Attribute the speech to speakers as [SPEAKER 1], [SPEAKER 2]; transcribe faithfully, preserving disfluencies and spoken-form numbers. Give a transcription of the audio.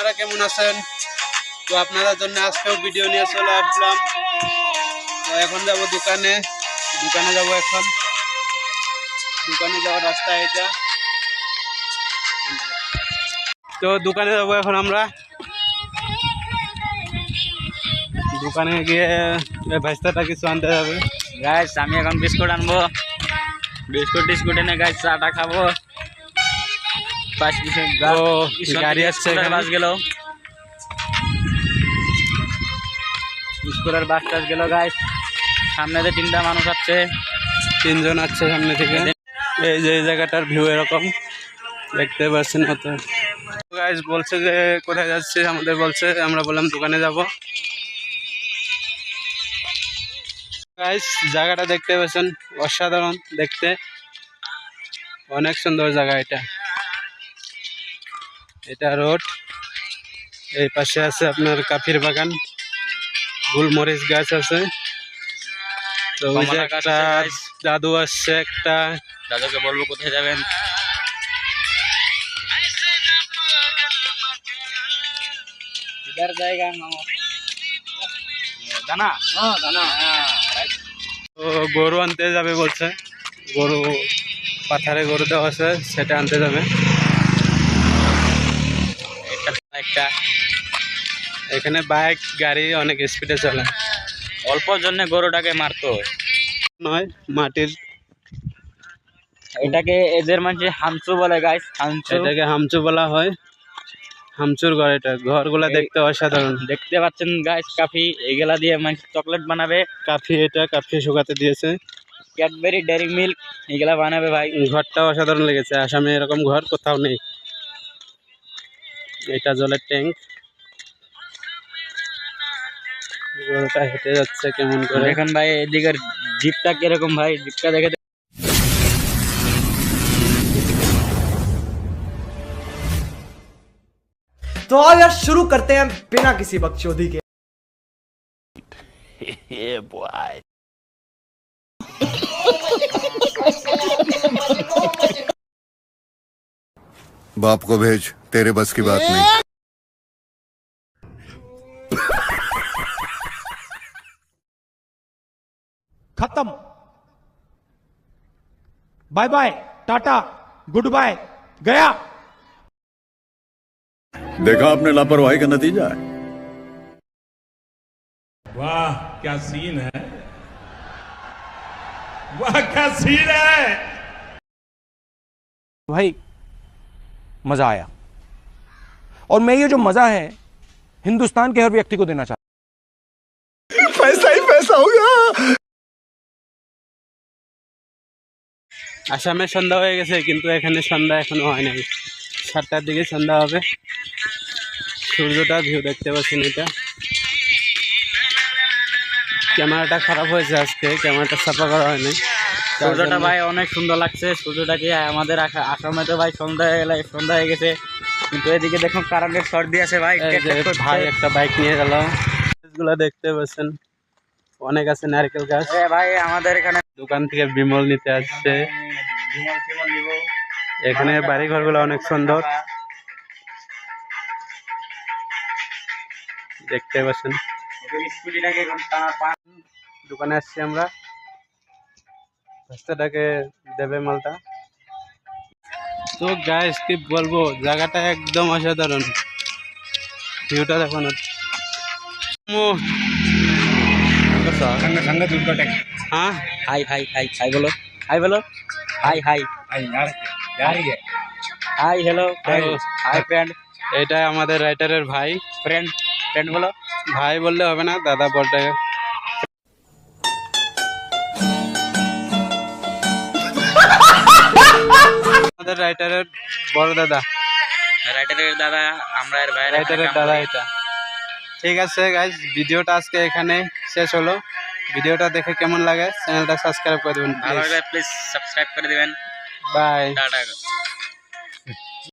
[SPEAKER 1] আপনারা কেমন আছেন? তো আপনাদের জন্য আজকেও ভিডিও নিয়ে চলে আসলাম। এখন যাব দোকানে দোকানে যাব এখন দোকানে যাওয়ার রাস্তা এটা। তো দোকানে যাব এখন আমরা। দোকানে গিয়ে ভাইস্তাটা কিছু আনতে যাবে।
[SPEAKER 2] গাইস আমি এখন বিস্কুট আনবো, বিস্কুট টিস্কুট এনে গাইস চাটা খাবো। পাঁচ
[SPEAKER 1] গাড়ি আসছে,
[SPEAKER 2] বাস গেল, স্কুলের বাস টাস গেল গাইস। সামনে যে তিনটা মানুষ আছে,
[SPEAKER 1] তিনজন আছে সামনে থেকে। এই যে এই জায়গাটার ভিউ এরকম দেখতে পাচ্ছেন। অত গাইস বলছে যে কোথায় যাচ্ছে, আমাদের বলছে, আমরা বললাম দোকানে যাব। গাইস জায়গাটা দেখতে পাচ্ছেন, অসাধারণ দেখতে, অনেক সুন্দর জায়গা এটা। এটা রোড, এই পাশে আছে আপনার কাফির বাগান, গোলমরিচ গাছ আছে। তো ওই যে একটা দাদু আসছে, একটা
[SPEAKER 2] দাদুকে বলবো কোথায় যাবেন। জায়গা দানা দানা
[SPEAKER 1] তো গরু আনতে যাবে বলছে, গরু পাথারে গরু দেওয়া আছে, সেটা আনতে যাবে।
[SPEAKER 2] একটা
[SPEAKER 1] এখানে বাইক গাড়ি অনেক স্পিডে চলে,
[SPEAKER 2] অল্প জন্য গরুটাকে মারতো
[SPEAKER 1] নয় মাটির।
[SPEAKER 2] এটাকে এদের মানুষ হামচু বলে গাইস, হামচু।
[SPEAKER 1] এটাকে হামচু বলা হয়, হামচুর ঘর। এটা ঘরগুলা দেখতে অসাধারণ।
[SPEAKER 2] দেখতে পাচ্ছেন গাইস, কাফি এগুলা দিয়ে মানুষ চকলেট বানাবে।
[SPEAKER 1] কাফি, এটা কাফি শুকাতে দিয়েছে।
[SPEAKER 2] ক্যাডবেরি, ডেয়ারি মিল্ক এগুলা বানাবে ভাই।
[SPEAKER 1] ঘরটা অসাধারণ লেগেছে, আসামে এরকম ঘর কোথাও নেই। এটা জলের ট্যাঙ্ক। গরুটা হেঁটে যাচ্ছে কেমন করে।
[SPEAKER 2] দেখেন ভাই এদিকের জিপটা কিরকম ভাই, জিপটা দেখে।
[SPEAKER 3] तो आओ यार शुरू करते हैं बिना किसी बकचोदी के।
[SPEAKER 4] बाप को भेज, तेरे बस की बात नहीं।
[SPEAKER 5] खत्म, bye bye, tata, goodbye, गया।
[SPEAKER 4] देखा आपने लापरवाही का नतीजा है।
[SPEAKER 5] वाह क्या सीन है, वाह क्या सीन है भाई, मजा आया। और मैं ये जो मजा है हिंदुस्तान के हर व्यक्ति को देना चाहता हूं।
[SPEAKER 4] पैसा ही पैसा होगा।
[SPEAKER 1] আসামে সন্ধ্যা হয়ে গেছে, কিন্তু এখানে সন্ধ্যা এখনো হয় নাই। সাতটার দিকে সন্ধ্যা হবে। সূর্যটা ভিউ দেখতে পাচ্ছেন। এটা ক্যামেরাটা খারাপ হয়েছে আজকে, ক্যামেরাটা সাফা করা হয়নি।
[SPEAKER 2] সূর্যটা ভাই অনেক সুন্দর লাগছে। সূর্যটাকে আমাদের আসামে তো ভাই সন্ধ্যা হয়ে গেলে সন্ধ্যা হয়ে গেছে, কিন্তু এদিকে দেখুন কারেন্টের শর্ট দিয়ে আছে ভাই।
[SPEAKER 1] ভাই একটা বাইক নিয়ে গেল। গাছগুলো দেখতে পাচ্ছেন, অনেক আছে নারকেল গাছ।
[SPEAKER 2] ভাই আমাদের এখানে
[SPEAKER 1] দোকান থেকে বিমল নিতে আসছে। এখানে বাড়ি ঘরগুলো অনেক সুন্দর দেখতে পাচ্ছেন। দোকানে আসছি আমরা, রাস্তাটাকে দেবে মালটা। তো গাইস কি বলবো, জায়গাটা একদম অসাধারণ। ভিউটা দেখুন। हाँ
[SPEAKER 2] हाय हाय हाय हाय बोलो, हाय बोलो, हाय हाय हाय हेलो हाय फ्रेंड।
[SPEAKER 1] এটা আমাদের রাইটারের ভাই।
[SPEAKER 2] ফ্রেন্ড ফ্রেন্ড বলো,
[SPEAKER 1] ভাই বললে হবে না, দাদা বলতে। আমাদের রাইটারের বড় দাদা,
[SPEAKER 2] রাইটারের দাদা, আমরা এর ভাই
[SPEAKER 1] রাইটারের দাদা এটা। ঠিক আছে গাইস, ভিডিওটা আজকে এখানে শেষ হলো। ভিডিওটা দেখে কেমন লাগে চ্যানেলটা সাবস্ক্রাইব করে দেবেন,
[SPEAKER 2] ভালো লাগলে প্লিজ সাবস্ক্রাইব করে দিবেন।
[SPEAKER 1] বাই।
[SPEAKER 2] টাটা।